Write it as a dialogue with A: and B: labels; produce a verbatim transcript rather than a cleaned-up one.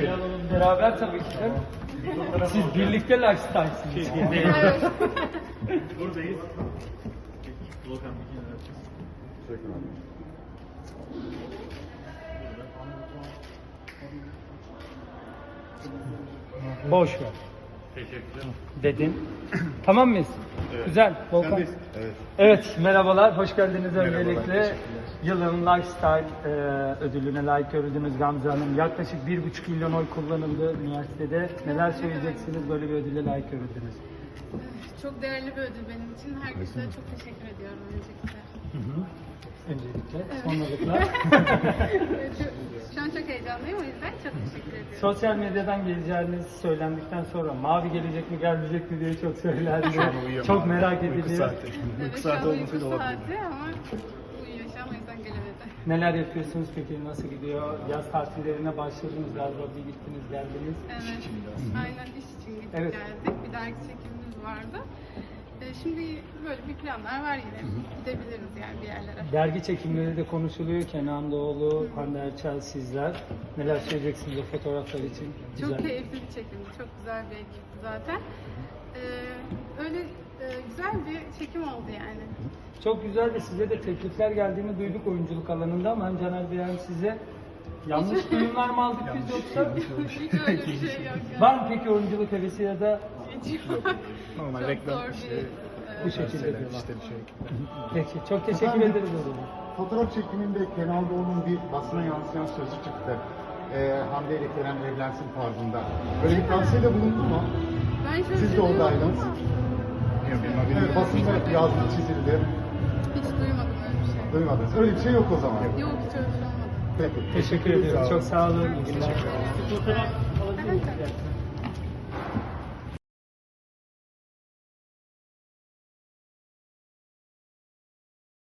A: Lifestyle. Beraber tabii ki de. Siz birlikte lifestyle'sınız.
B: Evet.
C: Buradayız. Volkan bir kenara açacağız.
D: Teşekkür ederim.
A: Boş ver.
C: Teşekkürler.
A: Dedin. Tamam mıyız?
D: Evet.
A: Güzel. Volkan.
D: Evet.
A: Evet, merhabalar. Hoş geldiniz
D: Merhabalar,
A: öncelikle.
D: teşekkürler.
A: Yılın Lifestyle e, ödülüne layık görüldünüz Gamze Hanım. Yaklaşık bir buçuk milyon oy kullanıldı üniversitede. Neler söyleyeceksiniz, böyle bir ödüle layık görüldünüz?
B: Çok değerli bir ödül benim için. Herkese çok teşekkür ediyorum öncelikle.
A: Hı hı. Öncelikle, sonralıkla.
B: Şu an çok heyecanlıyım, o yüzden çok teşekkür ediyorum.
A: Sosyal medyadan geleceğiniz söylendikten sonra mavi gelecek mi gelmeyecek mi diye çok söylendi.
D: uyuyor
A: Çok
D: mavi.
A: merak
D: Uyku
A: ediliyor.
D: saati.
B: Evet,
D: Uyku
B: şu
D: saati
B: an uyku
D: olmasıyla olabilir.
B: saati ama uyuyor şu an, o yüzden gelemedi.
A: Neler yapıyorsunuz peki, nasıl gidiyor? Yaz tatillerine başladınız galiba, bir gittiniz geldiniz.
B: Evet, aynen iş için gittik
A: Evet.
B: geldik. Bir dahaki çekimimiz vardı. Ee, şimdi böyle bir planlar var yine. Gidebiliriz yani bir yerlere.
A: Dergi çekimleri de konuşuluyor. Kenan Doğulu, Hande Erçel, sizler. Neler söyleyeceksiniz o fotoğraflar için?
B: Çok
A: Güzel.
B: keyifli bir çekimdi. Çok güzel bir ekipti zaten. Ee, öyle e, güzel bir çekim oldu yani.
A: Çok güzel de size de teklifler geldiğini duyduk oyunculuk alanında ama hem Caner Bey hem size yanlış duyumlar mı aldık biz yoksa?
B: Hiç öyle bir şey yok yani.
A: Var mı peki oyunculuk hevesi ya da
B: Hiç yok.
D: Normal
B: Çok
D: reklam
B: zor
D: işte.
B: bir,
A: bu
B: e,
A: şekilde
D: Şeyler,
A: diyorlar?
D: işte bir şey.
A: Peki, çok teşekkür
E: Efendim?
A: ederiz o zaman.
E: Fotoğraf çekiminde Kenan Doğulu'nun bir basına yansıyan sözü çıktı. Ee, Hande ile Kerem evlensin tarzında. Böyle bir tavsiyede bulundu mu?
B: Ben şöyle
E: Siz de
B: şey duydum
E: oradaydınız.
B: ama
D: Yok, benim haberim
E: Evet,
D: yok.
E: basında yazdı, çizildi.
B: hiç duymadım öyle bir şey.
E: Duymadınız. Öyle bir şey yok o zaman.
B: Yok, hiç öyle bir şey olmadı.
E: Peki.
A: Teşekkür ediyorum. Çok sağ olun. İyi günler.
B: Teşekkür ederim.
A: Fotoğraf alabilir miyiz?
B: Evet, tabii.